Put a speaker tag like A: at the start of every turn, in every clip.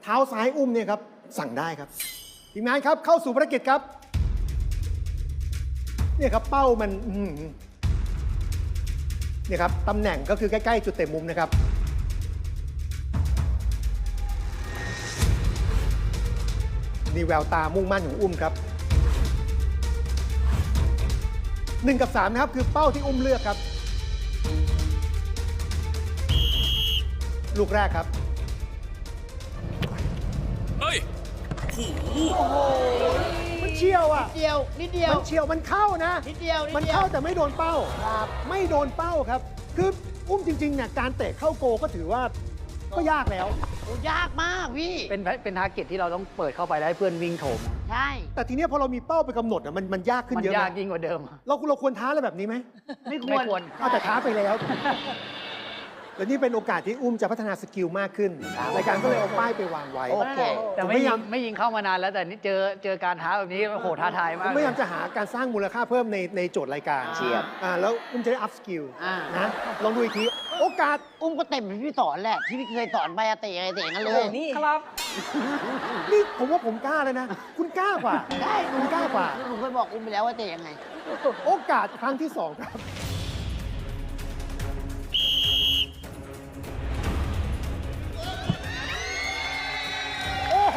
A: เท้าซ้ายอุ้มเนี่ยครับสั่งได้ครับทีมงานครับเข้าสู่ภารกิจครับเนี่ยครับเป้ามันเนี่ยครับตำแหน่งก็คือใกล้ๆจุดเตะมุมนะครับนี่แววตามุ่งมั่นของอุ้มครับ1 กับ 3นะครับคือเป้าที่อุ้มเลือกครับลูกแรกครับ
B: เฮ้ยโอ้โห
A: มันเชี่ยวอ่ะ
C: นิดเดียว
A: มันเชี่ยวมันเข้านะ
C: นิดเดียว
A: มันเข้าแต่ไม่โดนเป้าไม่โดนเป้าครับคืออุ้มจริงๆเนี่ยการเตะเข้าโกก็ถือว่าก็ยากแล้ว
C: ยากมากพี่
D: เป็นทาร์เก็ตที่เราต้องเปิดเข้าไปแล้วให้เพื่อนวิ่งโถม
C: ใช่
A: แต่ทีนี้พอเรามีเป้าไปกำหนดอ่ะมันยากขึ้นเยอะ
D: มันยากยิ่งกว่าเดิม
A: เราควรท้าอะไรแบบนี้ไหม
C: ไม่ควร
A: เอาแต่ท้าไปแล้วแล้วนี่เป็นโอกาสที่อุ้มจะพัฒนาสกิลมากขึ้นรายการก็เลยเอาป้ายไปวางไว้
C: โอเค
D: แต่ไม่ยิงเข้ามานานแล้วแต่นี่เจอการท้าแบบนี้โหท้าทายมาก
A: พยายามจะหาการสร้างมูลค่าเพิ่มในโจทย์รายการ
C: เชียบ
A: แล้วอุ้มจะได้อัพสกิลนะลองดูอีกทีโอกาส
C: อุ้มก็เต็มที่พี่สอนแหละที่พี่เคยสอนไปเตะงั้นเลย
D: นี่ครับ
A: นี่ผมว่าผมกล้าเลยนะคุณกล้ากว่า
C: ได้
A: คุณกล้ากว่า
C: ผมเคยบอกอุ้มไปแล้วว่าเตะยังไง
A: โอกาสครั้งที่2ครับโอ้โห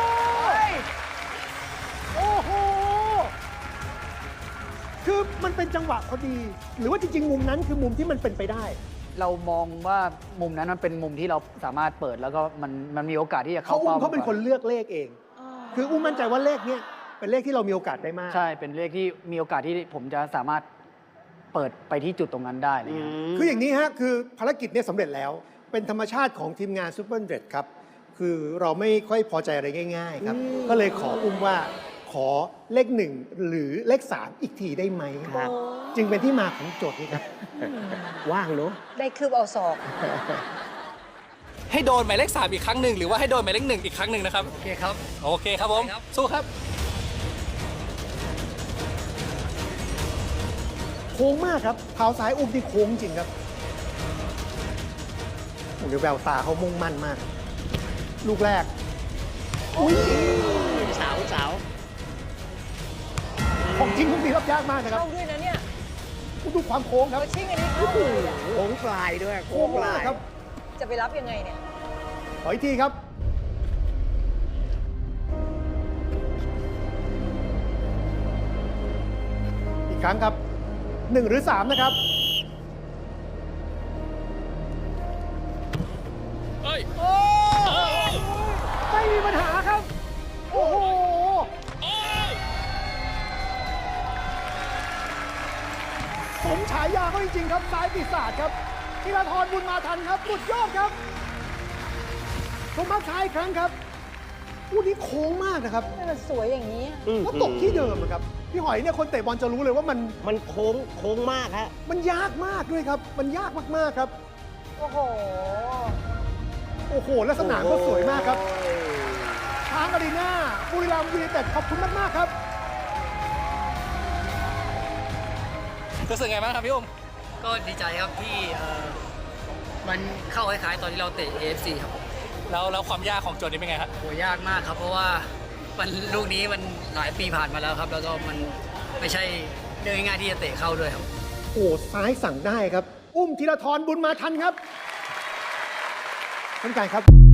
A: คือมันเป็นจังหวะพอดีหรือว่าจริงๆมุมนั้นคือมุมที่มันเป็นไปได้
D: เรามองว่ามุมนั้นมันเป็นมุมที่เราสามารถเปิดแล้วก็มันมีโอกาสที่จะเข้าเป้า
A: เขาเป็นคนเลือกเลขเองคืออุ้มมั่นใจว่าเลขเนี้ยเป็นเลขที่เรามีโอกาสได้มาก
D: ใช่เป็นเลขที่มีโอกาสที่ผมจะสามารถเปิดไปที่จุดตรงนั้นได้เลย
A: คืออย่างนี้ฮะคือภารกิจเนี่ยสำเร็จแล้วเป็นธรรมชาติของทีมงานซูเปอร์เดรดครับคือเราไม่ค่อยพอใจอะไรง่ายๆครับก็เลยขออุ้มว่าขอเลข1หรือเลข3อีกทีได้ไหมครับจึงเป็นที่มาของโจทย์นี้ครับว่างเนอะ
E: ได้คืบเอาศอก
B: ให้โดนหมายเลข3อีกครั้งหนึ่งหรือว่าให้โดนหมายเลข1อีกครั้งหนึ่งนะครับ
D: โอเคครับ
B: โอเคครับผมสู้ครับ
A: โค้งมากครับเท้าซ้ายอุ้มที่โค้งจริงครับโอ้โหแววตาเขามุ่งมั่นมากลูกแรกอุ้ย
C: สาว
A: ของจริงทุกทีรับยากมากนะครับ
E: เข้าด้วยนะเนี่ย
A: คุณดูความโค้งครับ
E: ชิ่งอันนี้เข้าเลยอ่ะ
C: โค้งปลายด้วย
A: โค้งปลายครับ
E: จะไปรับยังไงเนี่ย
A: ขออีกทีครับอีกครั้งครับ1หรือ3นะครับ
B: เฮ้ย
A: ไม่มีปัญหาครับโอ้โหสมฉายาเขาจริงๆครับซ้ายปีศาจครับธีรธรบุญมาทันครับสุดยอดครับชมภาพช้าอีกครั้งครับอู้นี้โค้งมากนะครับ
E: มันสวยอย่างนี้
A: ก็ตกที่เดิมครับพี่หอยเนี่ยคนเตะบอลจะรู้เลยว่า
C: มันโค้งมากฮะ
A: มันยากมากด้วยครับมันยากมากๆครับ
E: โอ้โห
A: และสนามก็สวยมากครับช้างอารีนาบุรีรัมย์ยูไนเต็ดขอบคุณมากๆครับ
B: รู้สึกไงบ้างครับพี่อุ้ม
D: ก็ดีใจครับที่มันเข้าคล้ายๆตอนที่เราเตะ AFC ครับ
B: แล้วความยากของโจทย์นี้เป็นไงครับ
D: โหยากมากครับเพราะว่าลูกนี้มันหลายปีผ่านมาแล้วครับแล้วก็มันไม่ใช่เรื่องง่ายๆที่จะเตะเข้าด้วยครับ
A: ซ้ายสั่งได้ครับอุ้มธีรธรบุญมาทันครับท่านการครับ